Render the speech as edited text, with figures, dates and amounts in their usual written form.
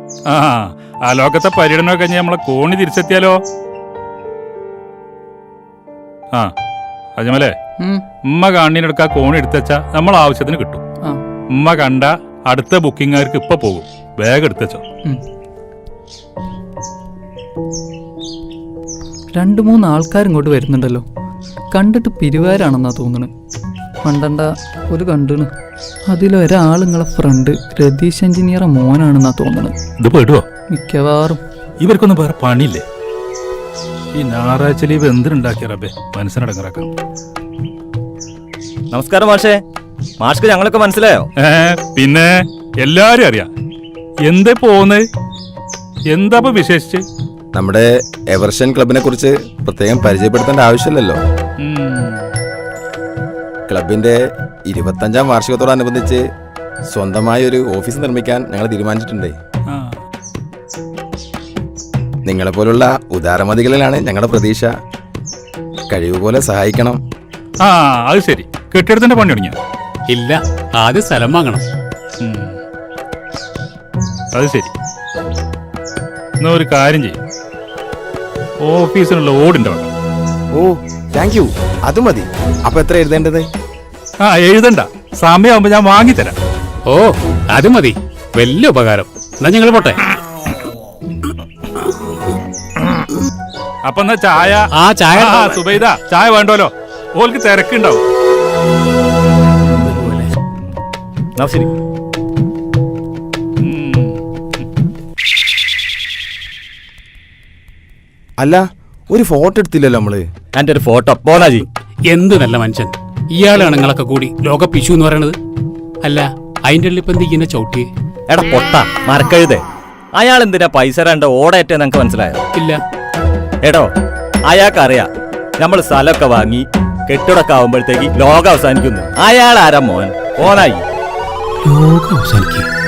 ആ ലോകത്തെ പര്യടനമൊക്കെ കഴിഞ്ഞ് നമ്മളെ കോണി തിരിച്ചെത്തിയാലോ? ആ അജ്മലേ, ഉമ്മ കണ്ണിനെടുക്കാ കോണി എടുത്തുവെച്ചാ നമ്മൾ ആവശ്യത്തിന് കിട്ടും. ഉമ്മ കണ്ട അടുത്ത ബുക്കിംഗുകാർക്ക് ഇപ്പൊ പോകും. വേഗം എടുത്തുവെച്ചോ. 2-3 ആൾക്കാർ ഇങ്ങോട്ട് വരുന്നുണ്ടല്ലോ. കണ്ടിട്ട് പിരിവാരാണെന്നാ തോന്നുന്നത്. കണ്ടണ്ട ഒരു കണ്ടിന്. അതിലൊരാൾ നിങ്ങളെ ഫ്രണ്ട് രതീഷ് എഞ്ചിനീയറെ മോനാണെന്നാ തോന്നുന്നത്. ഇത് പെടുവോ? മിക്കവാറും. ഇവർക്കൊന്നും വേറെ പണിയില്ലേ? ഈ ഞായറാഴ്ച ലീവ് എന്തിനുണ്ടാക്കിയ റബ്ബേ മനസ്സിനടങ്ങറാക്കാം. നമസ്കാരം മാഷേ. മാഷ്ക്ക് ഞങ്ങളൊക്കെ മനസ്സിലായോ? പിന്നെ എല്ലാരും അറിയാം. എന്തേ പോകുന്നത്? എന്താ വിശേഷിച്ച്? നമ്മുടെ എവർഷൻ ക്ലബിനെ കുറിച്ച് പ്രത്യേകം പരിചയപ്പെടുത്തേണ്ട ആവശ്യമില്ലല്ലോ. ക്ലബിന്റെ 25ാം വാർഷികത്തോടനുബന്ധിച്ച് സ്വന്തമായ ഒരു ഓഫീസ് നിർമ്മിക്കാൻ ഞങ്ങൾ തീരുമാനിച്ചിട്ടുണ്ട്. നിങ്ങളെപ്പോലുള്ള ഉദാരമതികളിലാണ് ഞങ്ങളുടെ പ്രതീക്ഷ. കഴിവുപോലെ സഹായിക്കണം. അത് ശരി. കെട്ടിടത്തിന്റെ പണി തുടങ്ങിയ? ഇല്ല, ആദ്യം സ്ഥലം വാങ്ങണം. അത് ശരി. എന്നാ ഒരു കാര്യം ചെയ്യും, ഓഫീസിനുള്ള ഓടിന്റെ വേണം. Oh thank you. അത് മതി. അപ്പൊ എത്ര എഴുതേണ്ടത്? എഴുതണ്ട, സമയമാകുമ്പോ ഞാൻ വാങ്ങിത്തരാം. ഓ അത് മതി, വലിയ ഉപകാരം. എന്നാ ഞങ്ങൾ പോട്ടെ. അപ്പൊ എന്നാ ചായ? ചായ സുബൈദ, ചായ വേണ്ടല്ലോ, ഓൾക്ക് തിരക്കുണ്ടാവും. ശരി. അല്ല, ഒരു ഫോട്ടോ എടുത്തില്ലല്ലോ നമ്മള്. എന്റെ ഒരു ഫോട്ടോ പോനാജി. എന്ത് നല്ല മനുഷ്യൻ ഇയാളാണ്. നിങ്ങളൊക്കെ കൂടി ലോക പിശു എന്ന് പറയണത്. അല്ല, അതിന്റെ ഉള്ളിൽ ഇപ്പൊ എന്തിങ്ങനെ ചവിട്ടി? എടാ പൊട്ട മറക്കഴുതേ, അയാൾ എന്തിനാ പൈസ രണ്ട് ഓടേറ്റ നിനക്ക് മനസ്സിലായോ? ഇല്ല. എടോ, അയാൾക്കറിയാം നമ്മൾ സ്ഥലമൊക്കെ വാങ്ങി കെട്ടിടൊക്കെ ആവുമ്പോഴത്തേക്ക് ലോകം അവസാനിക്കുന്നു. അയാൾ ആരാ മോൻ? പോനായി ലോകം അവസാനിക്കും.